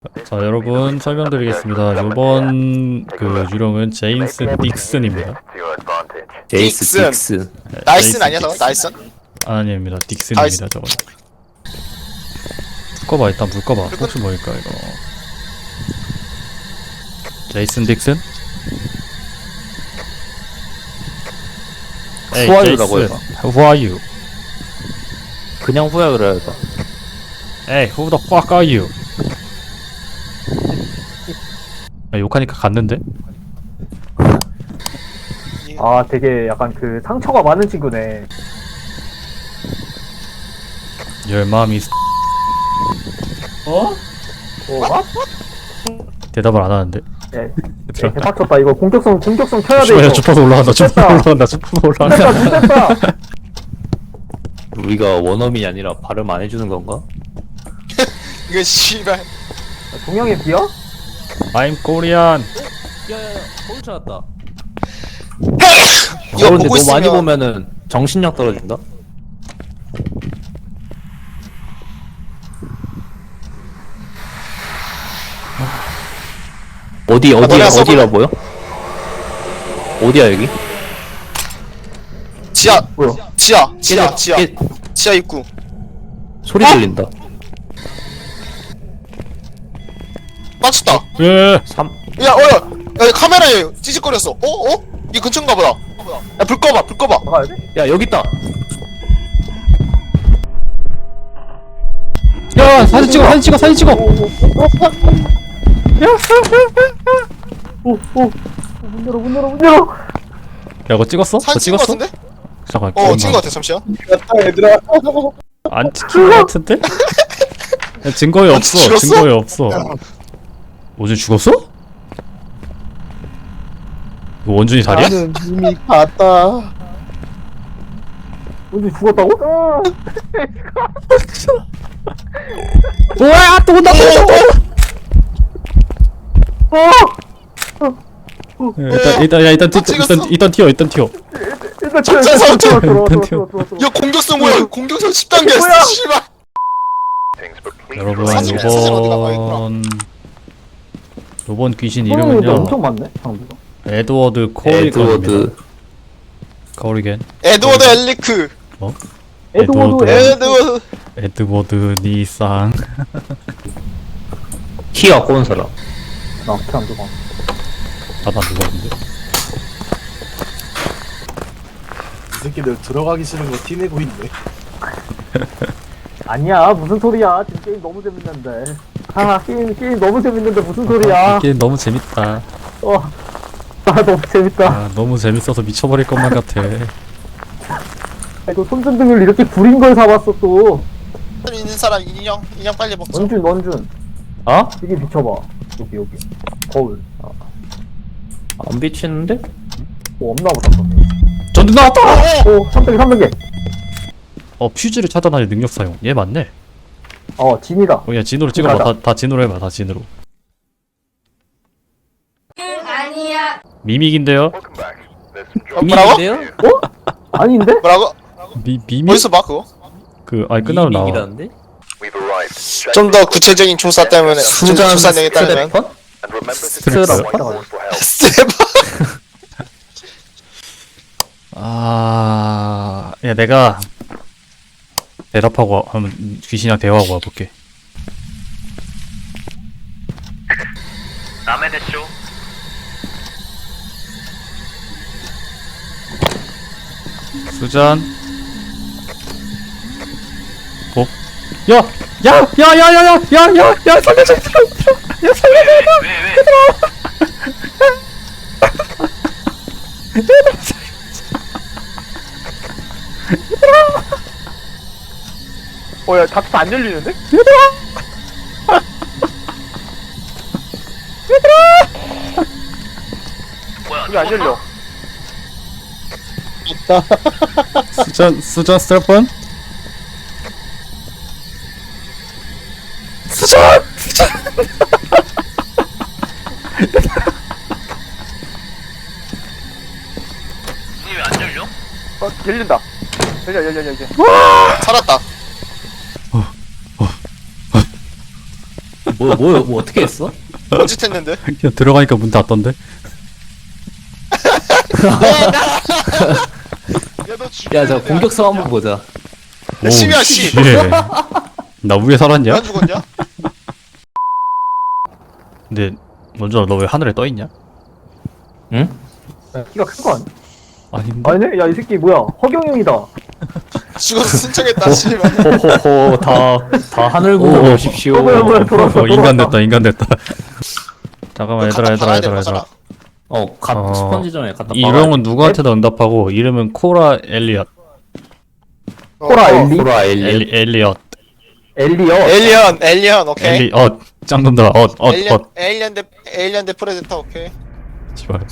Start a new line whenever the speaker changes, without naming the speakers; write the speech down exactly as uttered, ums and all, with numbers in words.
자, 여러분 설명드리겠습니다. 이번 그 유령은 제임스 딕슨입니다.
제이스
딕슨.
딕슨.
나이슨 아니야 너? 나이슨?
아닙니다. 딕슨입니다. 저거. 불 꺼봐. 일단 불 꺼봐. 혹시 뭘까 이거. 제이슨 딕슨? 에이,
후아유라고
제이슨.
해봐.
Who are you?
그냥 후아유라 해봐.
에이, who the fuck are you? 야, 욕하니까 갔는데?
아 되게 약간 그 상처가 많은 친구네.
Your mom is
어? 어?
대답을 안 하는데.
예. 예, 대박쳤다. 이거 공격성 공격성 켜야 돼.
주파야
이거.
주파수 올라간다. 주파수
됐다.
올라간다. 주파수 올라간다.
됐다, 됐다.
우리가 원어민이 아니라 발음 안 해주는 건가?
이거 씨발.
동양의 비어?
I'm Korean.
야야야, 서울 찾았다.
이거
근데
보고
너무 많이
있으면
보면은 정신력 떨어진다. 어디 어디야
너네
어디라
써볼래?
보여? 어디야 여기?
지하
뭐야?
지하 지하
깨-
지하
깨-
지하 입구.
소리
어?
들린다.
맞췄다.
예.
삼
야 어야 야 카메라에 찌직거렸어. 어 어? 이 근처인가 보다. 야 불 꺼봐 불 꺼봐.
나가야 돼?
야 여기 있다.
야, 사진 찍어. 사진 찍어. 사진 찍어.
오, 오. 문 열어, 문 열어, 문 열어.
야, 그거 찍었어? 그거
사진 찍은 거
찍었어?
같은데?
잠깐.
어 찍은 거 같아 잠시만.
안 찍힌 거 같은데? 야, 증거에
아,
없어.
죽었어?
증거에 없어. 원준 죽었어? 이거 원준이 살이야?
나는 이미 갔다.
언제 죽었다고? 아.
우와, 또 온다.
어!
일단 일단 야 일단 튀,
아, 찍었어?
일단 일단 튀어. 일단 튀어.
일단
작전 사업
들어와, 들어와,
일단
들어와, 들어와, 들어와.
야 공격성 뭐야? 공격성 십 단계였어.
뭐야?
씨발.
여러분,
사진, 사진 어디 나가
요번 요번 귀신
어, 근데
이름은요.
엄청 많네, 장비가.
에드워드 코리건입니다.
에드워드.
코리겐.
에드워드 엘리크.
에드워드,
에드워드.
에드-
에드워드.
에드워드 니상.
키 갖고 온 사람.
나 어떻게 안 들어가.
나도 안 누구였는데.
이 새끼들 들어가기 싫은 거 티내고 있네.
아니야, 무슨 소리야. 지금 게임 너무 재밌는데. 아, 게임, 게임 너무 재밌는데 무슨 소리야.
이게 너무 재밌다.
어. 아, 너무 재밌다.
아, 너무 재밌어서 미쳐버릴 것만 같아.
아이고, 손전등을 이렇게 구린 걸 사봤어, 또.
있는 사람 인형 인형 빨리 먹자.
원준, 원준.
어?
여기 비춰봐. 여기, 여기. 거울. 아,
안 비치는데?
뭐 없나 보다.
전등 나왔다.
오, 삼 단계, 삼 단계.
어, 퓨즈를 차단하는 능력 사용. 얘 맞네.
어, 진이다.
어, 야 진으로 찍어봐.
가자.
다, 다 진으로 해봐. 다 진으로.
아니야.
미믹인데요.
어, 뭐라고?
미믹인데요?
어? 아닌데?
뭐라고?
미 미믹.
어디서 봐 그거?
그 아니 끝나면 나와.
미믹이라는데?
좀 더 구체적인 조사 때문에
수잔
조사 내겠다면
스트래퍼? 스트래퍼?
스텝.
아, 야 내가 대답하고 와- 한번 귀신이랑 대화하고 와볼게. 수잔. 어? 야! 야! 야! 야! 야! 야! 야! 야! 야! 살려줘! 얘들아! 얘들아! 야 살려줘! 얘들아!
어, 야, 닥터 안 열리는데? 얘들아! 얘들아! 왜안 열려?
수잔 수잔 스트래펀? 수잔! 수잔!
어, 열린다. 열려, 열려, 열려, 이제.
살았다.
뭐, 뭐, 뭐 어떻게 했어?
뭔짓 했는데?
그냥 들어가니까 문 닫던데?
야너
야, 저 공격성 한번 보자.
오,
심이야, 씨.
씨. 나 위에 살았냐?
안 죽었냐?
근데 먼저 너 왜 하늘에 떠 있냐?
응?
키가 큰 거 아니야?
아닌데?
아니네? 야 이 새끼 뭐야 허경영이다.
죽어서 순창했다, 씨발.
호호호, 다, 다 하늘 보고 오십시오.
어, 뭐야 뭐야 돌아왔어
어, 인간
돌아왔다.
됐다 인간 됐다 잠깐만 얘들아
갖다
얘들아
박아야
얘들아
되는
얘들아
거잖아.
어, 갓
어,
스펀지 전에 갖다
이름은 누구한테도 응답하고 이름은 코라 엘리엇
어,
코라
어.
엘리?
보라 엘리.
엘리, 엘리엇
엘리어.
에일리언, 에일리언, 오케이.
엘리엇 짱놈들아 엇엇엇
에일리언, 에일리언 대, 에일리언 대 프레데터, 오케이.
씨발